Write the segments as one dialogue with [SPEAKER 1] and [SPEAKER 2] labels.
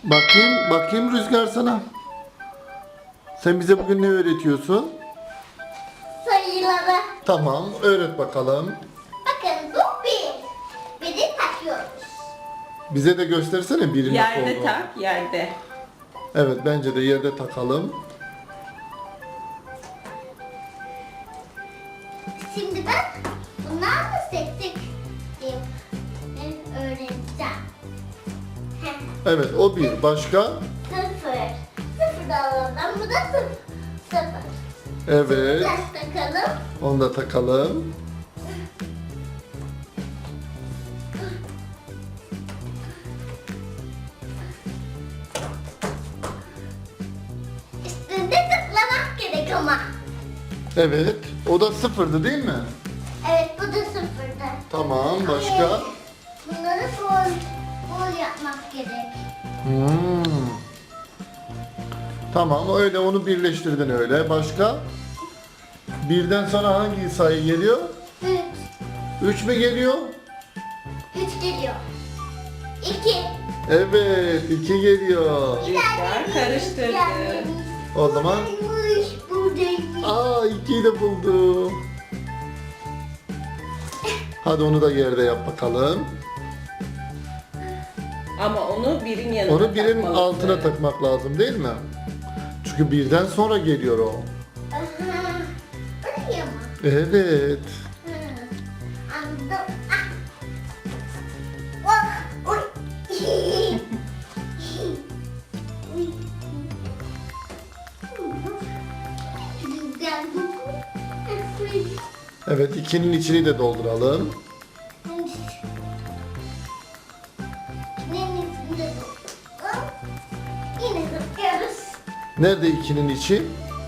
[SPEAKER 1] Bakayım Rüzgar sana. Sen bize bugün ne öğretiyorsun?
[SPEAKER 2] Sayıları.
[SPEAKER 1] Tamam, öğret bakalım.
[SPEAKER 2] Bakın bu bir. Biri takıyoruz.
[SPEAKER 1] Bize de göstersene biri nasıl
[SPEAKER 3] Yerde
[SPEAKER 1] olduğunu.
[SPEAKER 3] tak, yerde.
[SPEAKER 1] Evet, bence de yerde takalım.
[SPEAKER 2] Şimdi ben bunlarla tek tek öğreneceğim.
[SPEAKER 1] Evet, o bir. Başka?
[SPEAKER 2] Sıfır. Sıfır da alalım. Bu da sıfır.
[SPEAKER 1] Evet,
[SPEAKER 2] Biraz takalım.
[SPEAKER 1] onu da takalım.
[SPEAKER 2] Üstünde tıklamak gerek ama.
[SPEAKER 1] Evet, o da sıfırdı değil mi?
[SPEAKER 2] Evet bu da sıfırdı.
[SPEAKER 1] Tamam, başka?
[SPEAKER 2] Bunları bol yapmak gerek.
[SPEAKER 1] Hmm. Tamam, öyle onu birleştirdin öyle. Başka? Birden sonra hangi sayı geliyor?
[SPEAKER 2] Üç.
[SPEAKER 1] 3 mü geliyor?
[SPEAKER 2] 3 geliyor. 2.
[SPEAKER 1] Evet, 2 geliyor.
[SPEAKER 3] Rüzgar karıştırdı.
[SPEAKER 1] O zaman
[SPEAKER 2] Buradaymış.
[SPEAKER 1] 2'yi de buldu. Hadi onu da yerde yap bakalım.
[SPEAKER 3] Ama onu birin yanına
[SPEAKER 1] Onu birin
[SPEAKER 3] takmalısın.
[SPEAKER 1] altına takmak lazım değil mi? Çünkü birden sonra geliyor o.
[SPEAKER 2] Aha. Buraya mı?
[SPEAKER 1] Evet.
[SPEAKER 2] Anladım. Ah. Oh. Oy. Güzel bu.
[SPEAKER 1] Evet, 2'nin içini de dolduralım.
[SPEAKER 2] Yine zıplıyoruz.
[SPEAKER 1] Nerede 2'nin içi?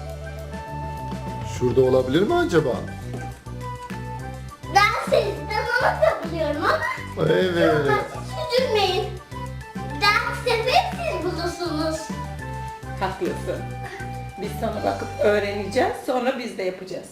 [SPEAKER 1] Şurada olabilir mi acaba?
[SPEAKER 2] Ben sizden ona kapılıyorum ama
[SPEAKER 1] Evet.
[SPEAKER 2] hiç üzülmeyin. Ders sefer siz bulursunuz.
[SPEAKER 3] Haklısın. Biz sana bakıp öğreneceğiz, sonra biz de yapacağız.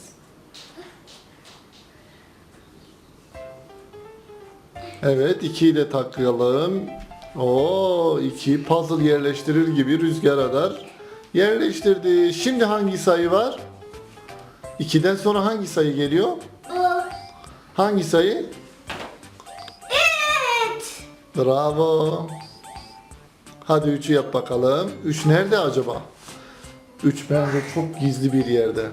[SPEAKER 1] Evet, 2'yi de takalım. Oo, 2 puzzle yerleştirir gibi Rüzgar Adar yerleştirdi. Şimdi hangi sayı var? 2'den sonra hangi sayı geliyor?
[SPEAKER 2] Bu.
[SPEAKER 1] Hangi sayı?
[SPEAKER 2] Evet.
[SPEAKER 1] Bravo. Hadi 3'ü yap bakalım. 3 nerede acaba? 3 bence çok gizli bir yerde.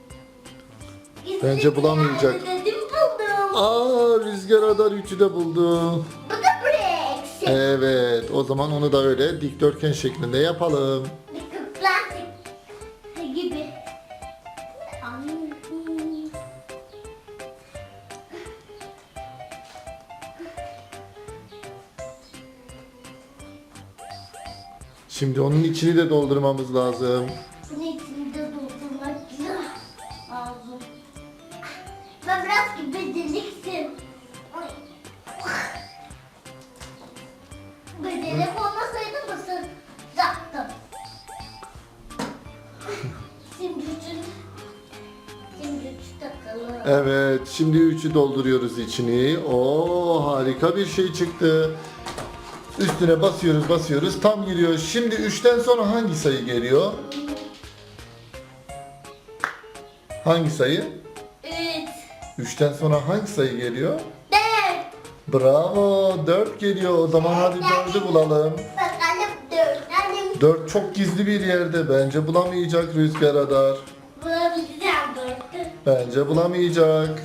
[SPEAKER 1] Bence bulamayacak.
[SPEAKER 2] Dedim buldum.
[SPEAKER 1] Rüzgar Adar 3'ü de buldu.
[SPEAKER 2] Bu da Brex.
[SPEAKER 1] Evet, o zaman onu da öyle dikdörtgen şeklinde yapalım.
[SPEAKER 2] Plastik gibi.
[SPEAKER 1] Şimdi onun içini de doldurmamız lazım.
[SPEAKER 2] Bunun içini de doldurmak lazım. Ben biraz gibi beceriksin. Becerik olmasaydı mısıracaktım. Şimdi üçü takalım.
[SPEAKER 1] Evet, şimdi 3'ü dolduruyoruz içini. Oo, harika bir şey çıktı. Üstüne basıyoruz, tam giriyor. Şimdi 3'ten sonra hangi sayı geliyor? Hangi sayı?
[SPEAKER 2] 3,
[SPEAKER 1] 3'ten sonra hangi sayı geliyor?
[SPEAKER 2] 4.
[SPEAKER 1] Bravo, 4 geliyor. O zaman hadi 4'ü bulalım.
[SPEAKER 2] Bakalım 4. Annem
[SPEAKER 1] 4 çok gizli bir yerde. Bence bulamayacak Rüzgar Adar.
[SPEAKER 2] bulabileceğim 4'ü.
[SPEAKER 1] Bence bulamayacak.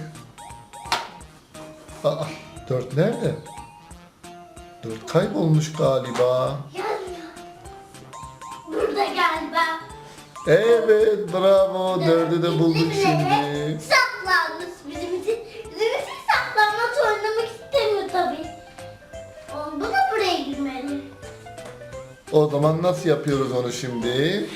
[SPEAKER 1] 4 nerede? 4 kaybolmuş galiba.
[SPEAKER 2] Yazmıyor. Burada galiba.
[SPEAKER 1] Evet, bravo. 4'ü de bulduk şimdi.
[SPEAKER 2] Saklanmış bizim için. Bizim için saklanmaç oynamak istemiyor tabii. Bu da buraya girmeli.
[SPEAKER 1] O zaman nasıl yapıyoruz onu şimdi?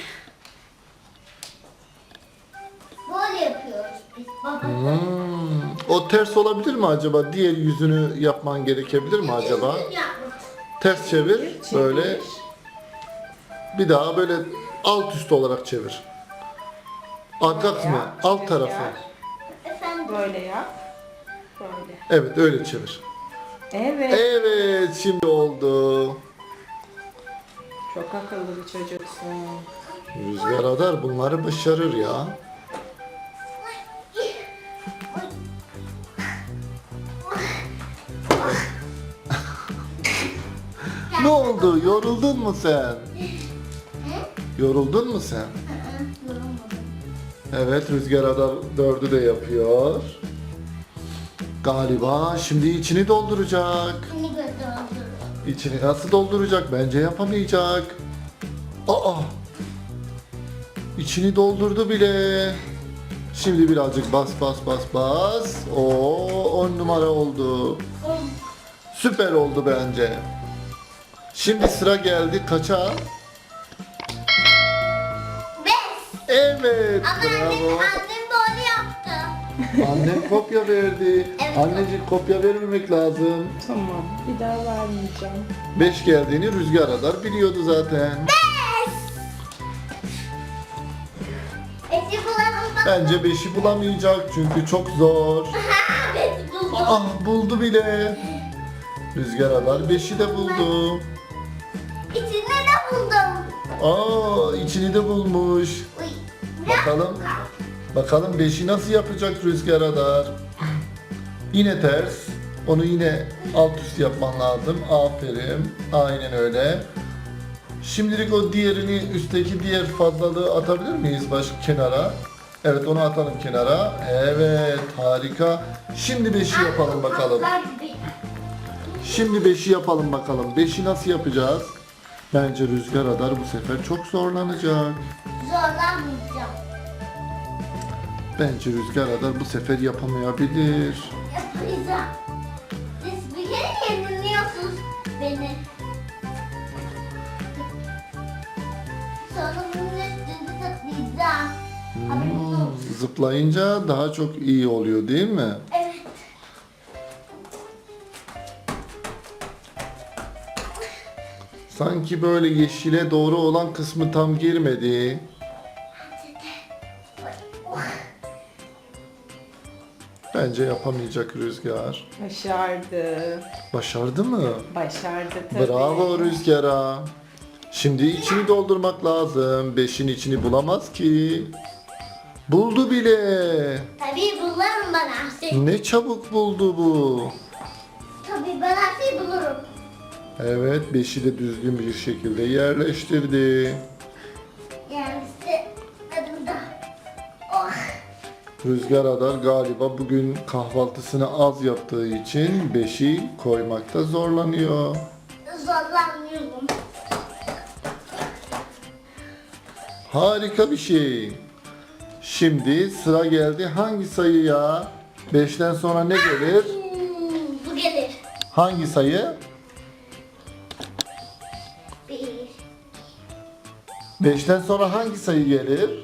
[SPEAKER 2] Böyle yapıyoruz biz baba.
[SPEAKER 1] O ters olabilir mi acaba? Diğer yüzünü yapman gerekebilir mi acaba?
[SPEAKER 2] Düzgün yapmak.
[SPEAKER 1] Ters çevir.
[SPEAKER 3] Çevir.
[SPEAKER 1] Böyle. Bir daha böyle alt üst olarak çevir. Arka kısmı,
[SPEAKER 3] Yap,
[SPEAKER 1] alt tarafı.
[SPEAKER 3] Rüzgar.
[SPEAKER 2] Efendim.
[SPEAKER 3] Böyle yap. Böyle.
[SPEAKER 1] Evet, öyle çevir.
[SPEAKER 3] Evet.
[SPEAKER 1] Evet, şimdi oldu.
[SPEAKER 3] Çok akıllı bir çocuksun.
[SPEAKER 1] Rüzgar Adar bunları başarır ya. Ne oldu? Yoruldun mu sen? Yoruldun mu sen?
[SPEAKER 2] Yorulmadım.
[SPEAKER 1] Evet, Rüzgar Adar 4'ü de yapıyor. Galiba şimdi içini dolduracak.
[SPEAKER 2] Seni götürdüm.
[SPEAKER 1] İçini nasıl dolduracak? Bence yapamayacak. Aa! İçini doldurdu bile. Şimdi birazcık bas bas bas bas. Oo, 10 numara oldu. Süper oldu bence. Şimdi sıra geldi kaça?
[SPEAKER 2] 5.
[SPEAKER 1] Evet,
[SPEAKER 2] Ama annem
[SPEAKER 1] bravo.
[SPEAKER 2] böyle yaptı.
[SPEAKER 1] Annen kopya verdi.
[SPEAKER 2] Evet.
[SPEAKER 1] Anneciğim kopya vermemek lazım.
[SPEAKER 3] Tamam, bir daha vermeyeceğim.
[SPEAKER 1] 5 geldiğini Rüzgar Adar biliyordu zaten.
[SPEAKER 2] 5'i bulalım bak.
[SPEAKER 1] Bence 5'i bulamayacak çünkü çok zor.
[SPEAKER 2] 5'i buldum.
[SPEAKER 1] Ah, buldu bile. Rüzgar Adar 5'i de buldu.
[SPEAKER 2] İçinde de buldum.
[SPEAKER 1] Aa, içini de bulmuş.
[SPEAKER 2] Uy. Biraz
[SPEAKER 1] Bakalım.
[SPEAKER 2] kaldı.
[SPEAKER 1] Bakalım 5'i nasıl yapacak Rüzgar Adar? Yine ters. Onu yine alt üst yapman lazım. Aferin. Aynen öyle. Şimdilik o diğerini, üstteki diğer fazlalığı atabilir miyiz başka kenara? Evet, onu atalım kenara. Evet, harika. Şimdi 5'i yapalım bakalım.
[SPEAKER 2] Patlar gibi.
[SPEAKER 1] Şimdi 5'i yapalım bakalım. 5'i nasıl yapacağız? Bence Rüzgar Adar bu sefer çok zorlanacak.
[SPEAKER 2] Zorlanmayacağım.
[SPEAKER 1] Bence Rüzgar Adar bu sefer yapamayabilir.
[SPEAKER 2] Yapacağım. Siz bir kere yeniliyorsunuz beni. Sonra bunun üstünde tıklayacağım. Haberiniz olsun.
[SPEAKER 1] Zıplayınca daha çok iyi oluyor değil mi?
[SPEAKER 2] Evet.
[SPEAKER 1] Sanki böyle yeşile doğru olan kısmı tam girmedi. Bence yapamayacak Rüzgar.
[SPEAKER 3] Başardı.
[SPEAKER 1] Başardı mı?
[SPEAKER 3] Başardı tabii.
[SPEAKER 1] Bravo Rüzgar'a. Şimdi içini doldurmak lazım. 5'in içini bulamaz ki. Buldu bile.
[SPEAKER 2] Tabii bulurum ben her şeyi.
[SPEAKER 1] Ne çabuk buldu bu.
[SPEAKER 2] Tabii ben her şeyi bulurum.
[SPEAKER 1] Evet, 5'i de düzgün bir şekilde yerleştirdi.
[SPEAKER 2] Yani işte adımda. Oh.
[SPEAKER 1] Rüzgar Adar galiba bugün kahvaltısını az yaptığı için 5'i koymakta zorlanıyor.
[SPEAKER 2] Zorlanmıyorum.
[SPEAKER 1] Harika bir şey. Şimdi sıra geldi hangi sayıya? 5'ten sonra ne gelir?
[SPEAKER 2] Bu gelir.
[SPEAKER 1] Hangi sayı?
[SPEAKER 2] 1.
[SPEAKER 1] 5'ten sonra hangi sayı gelir?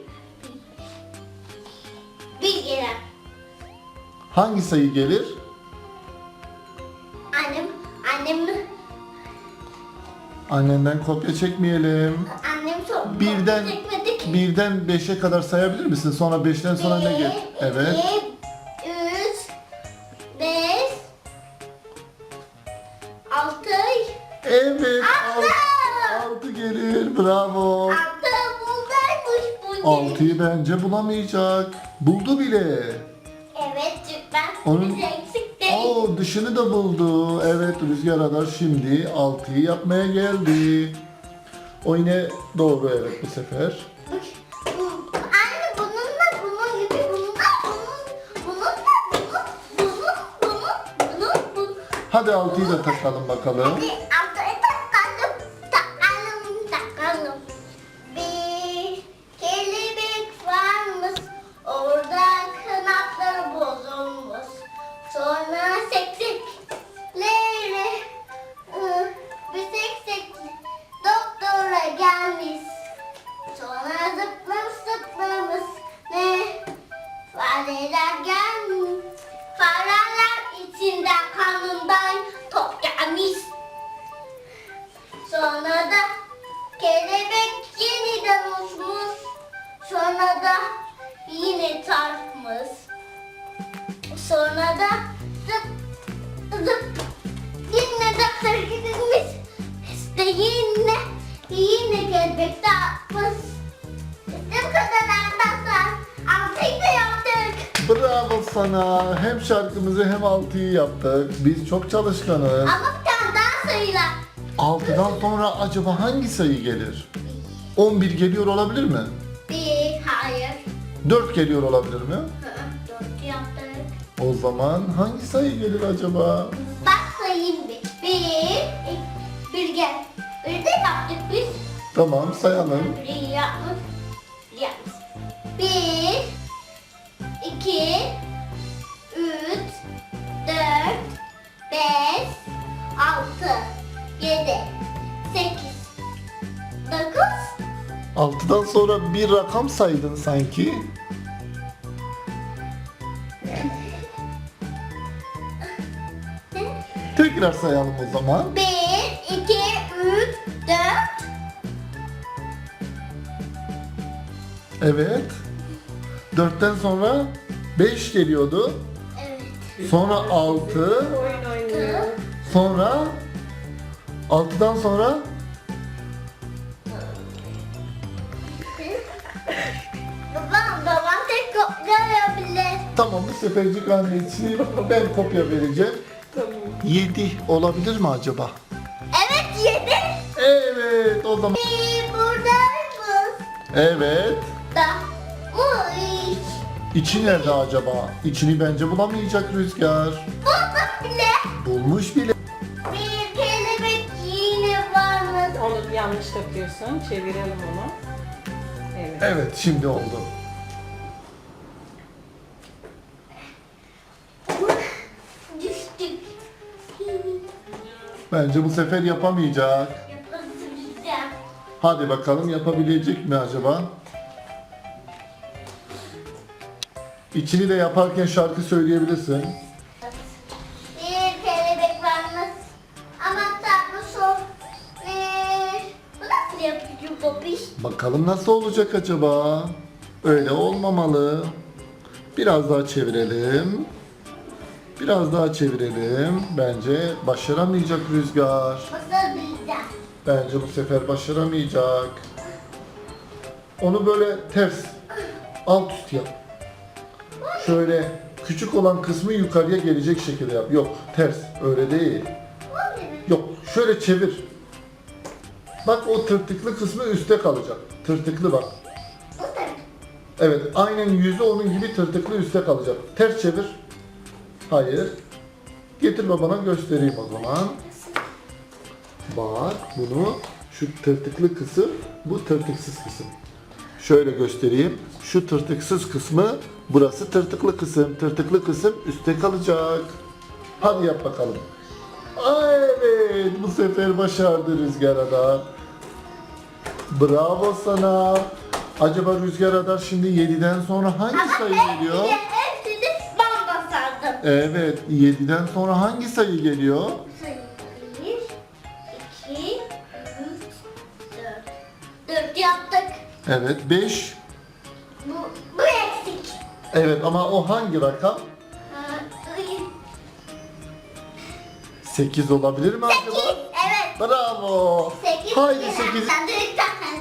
[SPEAKER 2] 1 gelir.
[SPEAKER 1] Hangi sayı gelir?
[SPEAKER 2] Annem
[SPEAKER 1] Annenden kopya çekmeyelim.
[SPEAKER 2] çok
[SPEAKER 1] Birden
[SPEAKER 2] çekmedi ki.
[SPEAKER 1] 5'e kadar sayabilir misin? Sonra 5'ten sonra ne gelir? Evet.
[SPEAKER 2] 2, 3, 5, 6,
[SPEAKER 1] Evet.
[SPEAKER 2] Altı.
[SPEAKER 1] 6 gelir. Bravo.
[SPEAKER 2] 6 buradaymış bu.
[SPEAKER 1] 6'yı bence bulamayacak. Buldu bile.
[SPEAKER 2] Evet çünkü ben
[SPEAKER 1] Onun-
[SPEAKER 2] bir eksik değil.
[SPEAKER 1] Oo, dışını da buldu. Evet, Rüzgar Adar şimdi 6'yı yapmaya geldi. O yine doğru, evet, bu sefer.
[SPEAKER 2] Anne bunun gibi bunun.
[SPEAKER 1] Hadi 6'yı da takalım bakalım.
[SPEAKER 2] Hadi altı takalım. Bir kelebek varmış, orada kanatları bozulmuş. Sonra seksekleri, bir seksekli doktora gelmiş. Sonra zıplamış, ne fareler gelmiş. Fareler içinden kanından top gelmiş. Sonra da kelebek yeniden uçmuş. Sonra da yine çarpmış. Sonra da zıp zıp yine doktora gidilmiş. İşte Yine kelebek dağıtmış. İşte bu kadar arkadaşlar. Altıyı da yaptık.
[SPEAKER 1] Bravo sana. Hem şarkımızı hem 6'yı yaptık. Biz çok çalışkanız.
[SPEAKER 2] Ama bir tane daha sayılar.
[SPEAKER 1] 6'dan sonra acaba hangi sayı gelir? 11 geliyor olabilir mi?
[SPEAKER 2] Hayır.
[SPEAKER 1] 4 geliyor olabilir mi?
[SPEAKER 2] Dört yaptık.
[SPEAKER 1] O zaman hangi sayı gelir acaba?
[SPEAKER 2] Bak sayayım bir. Bir gel. Bir de yaptık biz.
[SPEAKER 1] Tamam sayalım.
[SPEAKER 2] Bir yapmış. Yapmış. 1, 2, 3, 4, 5, 6, 7, 8, 9.
[SPEAKER 1] 6'dan sonra bir rakam saydın sanki. Tekrar sayalım o zaman.
[SPEAKER 2] 1, 2, 3, 4.
[SPEAKER 1] Evet. 4'ten sonra 5 geliyordu.
[SPEAKER 2] Evet.
[SPEAKER 1] Sonra 6.
[SPEAKER 3] Oyun oynuyor.
[SPEAKER 1] Sonra 6'dan sonra
[SPEAKER 2] Babam tek kopyalayabilir.
[SPEAKER 1] tamam bu sefercik annesi ben kopya vereceğim.
[SPEAKER 3] Tamam.
[SPEAKER 1] 7 olabilir mi acaba?
[SPEAKER 2] Evet 7.
[SPEAKER 1] Evet o zaman.
[SPEAKER 2] Buradaymış.
[SPEAKER 1] Evet.
[SPEAKER 2] Da. Bu iş.
[SPEAKER 1] İçi nerede acaba? İçini bence bulamayacak Rüzgar.
[SPEAKER 2] Bulduk bile.
[SPEAKER 1] Bulmuş bile.
[SPEAKER 2] Bir kelebek yine varmış.
[SPEAKER 3] Onu yanlış takıyorsun. Çevirelim onu. Evet.
[SPEAKER 1] Evet şimdi oldu.
[SPEAKER 2] Düştük.
[SPEAKER 1] Bence bu sefer yapamayacak.
[SPEAKER 2] Yapabileceğim.
[SPEAKER 1] Hadi bakalım yapabilecek mi acaba? İçini de yaparken şarkı söyleyebilirsin.
[SPEAKER 2] Bir kelebek varmış. Ama tatlı sor. Bu nasıl yapıyor babiş?
[SPEAKER 1] Bakalım nasıl olacak acaba? Öyle olmamalı. Biraz daha çevirelim. Biraz daha çevirelim. Bence başaramayacak Rüzgar.
[SPEAKER 2] Basabileceğim.
[SPEAKER 1] Bence bu sefer başaramayacak. Onu böyle ters, alt üst yap. Şöyle küçük olan kısmı yukarıya gelecek şekilde yap. Yok, ters. Öyle değil.
[SPEAKER 2] Bu ne?
[SPEAKER 1] Yok, şöyle çevir. Bak o tırtıklı kısmı üstte kalacak. Tırtıklı bak.
[SPEAKER 2] Bu ne?
[SPEAKER 1] Evet, aynen yüzü onun gibi tırtıklı üstte kalacak. Ters çevir. Hayır. Getir babana göstereyim o zaman. Bak bunu şu tırtıklı kısım, bu tırtıksız kısım. Şöyle göstereyim. Şu tırtıksız kısmı, burası tırtıklı kısım. Tırtıklı kısım üstte kalacak. Hadi yap bakalım. Evet, bu sefer başardı Rüzgar Adar. Bravo sana. Acaba Rüzgar Adar şimdi 7'den sonra hangi sayı geliyor?
[SPEAKER 2] Hepsini ben basardım.
[SPEAKER 1] Evet, 7'den sonra hangi sayı geliyor?
[SPEAKER 2] Sayı 1, 2, 3, 4. 4 yaptık.
[SPEAKER 1] Evet, 5.
[SPEAKER 2] Bu eksik.
[SPEAKER 1] Evet ama o hangi rakam?
[SPEAKER 2] Ha,
[SPEAKER 1] 8 olabilir mi acaba?
[SPEAKER 2] 8. Evet.
[SPEAKER 1] Bravo.
[SPEAKER 2] 8.
[SPEAKER 1] Haydi 8.
[SPEAKER 2] Minik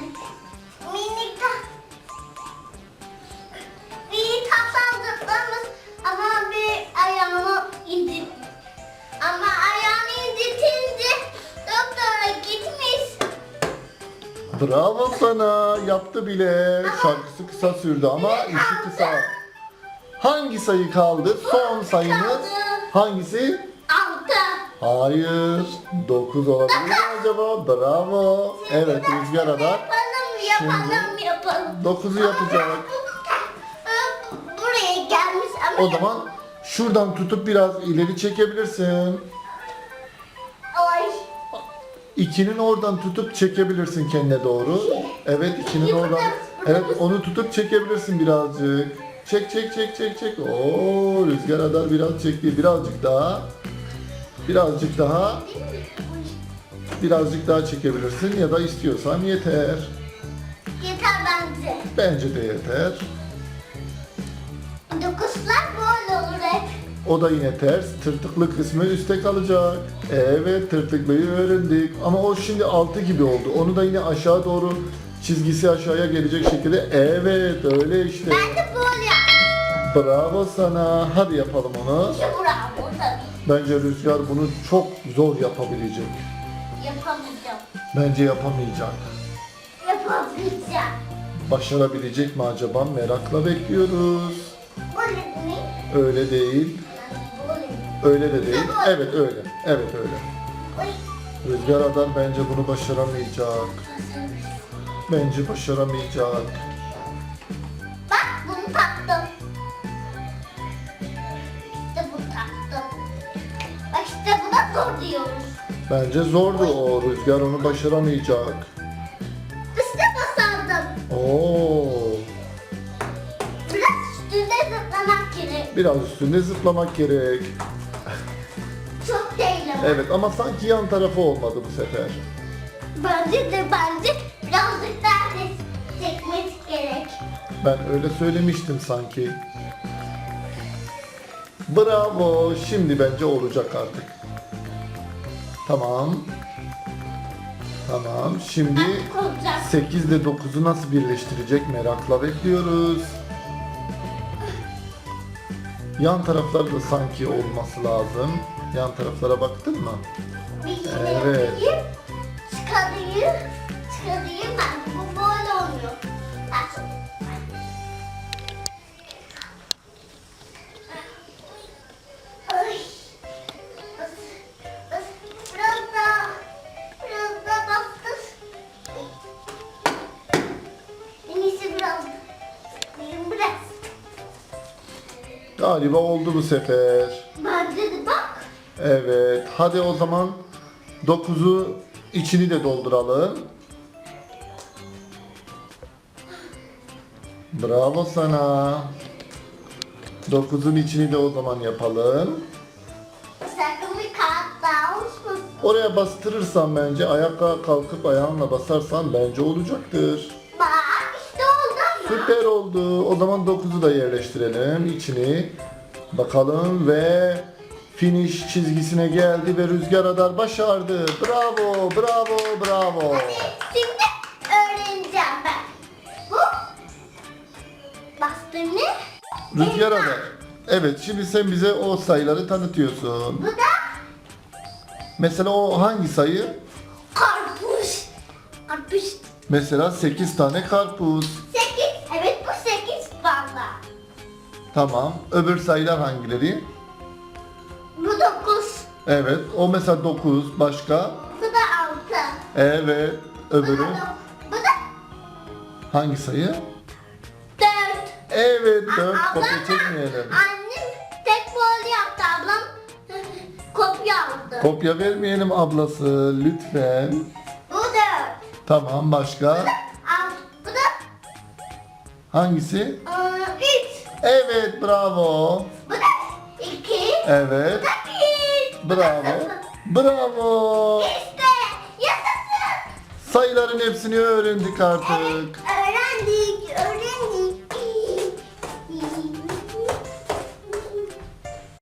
[SPEAKER 2] bir tasarladıklarımız ama bir ayağını indir. Ama ayağını indirtince doktora gitmiş.
[SPEAKER 1] Bravo sana. Yaptı bile. Şarkısı kısa sürdü ama işi kısa. Hangi sayı kaldı? Son sayımız
[SPEAKER 2] Kaldı.
[SPEAKER 1] hangisi?
[SPEAKER 2] 6.
[SPEAKER 1] Hayır. 9 olabilir mi acaba? Bravo. Evet Rüzgar Adar
[SPEAKER 2] Yapalım.
[SPEAKER 1] 9'u yapacak.
[SPEAKER 2] Buraya gelmiş ama
[SPEAKER 1] O zaman şuradan tutup biraz ileri çekebilirsin.
[SPEAKER 2] Ay.
[SPEAKER 1] 2'nin oradan tutup çekebilirsin kendine doğru. Evet 2'nin oradan. Evet onu tutup çekebilirsin birazcık. Çek çek çek çek çek. Oo Rüzgar Adar biraz çekti. Birazcık daha. Birazcık daha. Birazcık daha çekebilirsin ya da istiyorsan yeter.
[SPEAKER 2] Yeter bence.
[SPEAKER 1] Bence de yeter.
[SPEAKER 2] 9'lar böyle olur hep.
[SPEAKER 1] O da yine ters. Tırtıklı kısmı üstte kalacak. Evet, tırtıklıyı öğrendik. Ama o şimdi 6 gibi oldu. Onu da yine aşağı doğru, çizgisi aşağıya gelecek şekilde. Evet, öyle işte.
[SPEAKER 2] Ben de böyle yaptım.
[SPEAKER 1] Bravo sana. Hadi yapalım onu.
[SPEAKER 2] İşte bravo tabii.
[SPEAKER 1] Bence Rüzgar bunu çok zor yapabilecek.
[SPEAKER 2] Yapamayacağım.
[SPEAKER 1] Bence yapamayacak.
[SPEAKER 2] Yapamayacağım.
[SPEAKER 1] Başarabilecek mi acaba? Merakla bekliyoruz.
[SPEAKER 2] Böyle mi?
[SPEAKER 1] Öyle değil.
[SPEAKER 2] Böyle mi?
[SPEAKER 1] Öyle de değil. Evet öyle. Evet öyle.
[SPEAKER 2] Oy.
[SPEAKER 1] Rüzgar Adar bence bunu başaramayacak. Bence başaramayacak.
[SPEAKER 2] Bak bunu taktım. İşte bunu taktım. Bak işte buna zor diyoruz.
[SPEAKER 1] Bence zordu o. Rüzgar onu başaramayacak.
[SPEAKER 2] İşte basardım.
[SPEAKER 1] Oo.
[SPEAKER 2] Biraz üstünde zıplamak gerek.
[SPEAKER 1] Biraz üstünde zıplamak gerek.
[SPEAKER 2] Çok değil ama.
[SPEAKER 1] Evet ama sanki yan tarafı olmadı bu sefer.
[SPEAKER 2] Bence birazcık daha çekmesi gerek.
[SPEAKER 1] Ben öyle söylemiştim sanki. Bravo. Şimdi bence olacak artık. Tamam. Tamam. Şimdi
[SPEAKER 2] Artık olacak.
[SPEAKER 1] 8 ile 9'u nasıl birleştirecek merakla bekliyoruz. Yan taraflar da sanki olması lazım. Yan taraflara baktın mı?
[SPEAKER 2] Bir şey
[SPEAKER 1] Evet.
[SPEAKER 2] yapayım. Çıkarayım. Çıkarayım ben. Bu böyle olmuyor. Ters oluyor. Ay. Biraz daha bastır. En iyisi biraz. Biraz.
[SPEAKER 1] Galiba oldu bu sefer.
[SPEAKER 2] Bence de bak.
[SPEAKER 1] Evet. Hadi o zaman 9'u içini de dolduralım. Bravo sana. 9'un içini de o zaman yapalım.
[SPEAKER 2] Sakın bir kağıt daha olsun.
[SPEAKER 1] Oraya bastırırsan bence ayakta kalkıp ayağınla basarsan bence olacaktır.
[SPEAKER 2] Bak işte oldu ama.
[SPEAKER 1] Süper oldu. O zaman 9'u da yerleştirelim içini. Bakalım ve finish çizgisine geldi ve Rüzgar Adar başardı. Bravo, bravo, bravo.
[SPEAKER 2] Şimdi öğreneceğim ben. Bu bastım ne?
[SPEAKER 1] Rüzgar Adar. Evet, şimdi sen bize o sayıları tanıtıyorsun.
[SPEAKER 2] Bu da
[SPEAKER 1] Mesela o hangi sayı?
[SPEAKER 2] karpuz. Karpuz.
[SPEAKER 1] Mesela 8 tane karpuz.
[SPEAKER 2] 8. Evet bu 8 fazla.
[SPEAKER 1] Tamam. Öbür sayılar hangileri?
[SPEAKER 2] Bu 9.
[SPEAKER 1] Evet. O mesela 9. Başka?
[SPEAKER 2] Bu da 6.
[SPEAKER 1] Evet. Öbürü?
[SPEAKER 2] Bu da
[SPEAKER 1] Hangi sayı?
[SPEAKER 2] 4.
[SPEAKER 1] Evet. 4.
[SPEAKER 2] Ablam
[SPEAKER 1] Kopya
[SPEAKER 2] da-
[SPEAKER 1] çekmeyelim.
[SPEAKER 2] Annem tek böyle yaptı. Ablam kopya aldı.
[SPEAKER 1] Kopya vermeyelim ablası. Lütfen.
[SPEAKER 2] Bu 4.
[SPEAKER 1] Tamam. Başka?
[SPEAKER 2] Bu da
[SPEAKER 1] Hangisi?
[SPEAKER 2] 3.
[SPEAKER 1] Evet. Bravo.
[SPEAKER 2] Bu da 2.
[SPEAKER 1] Evet.
[SPEAKER 2] Bu da 1.
[SPEAKER 1] Bravo. Bravo.
[SPEAKER 2] İşte yaşasın.
[SPEAKER 1] Sayıların hepsini öğrendik artık.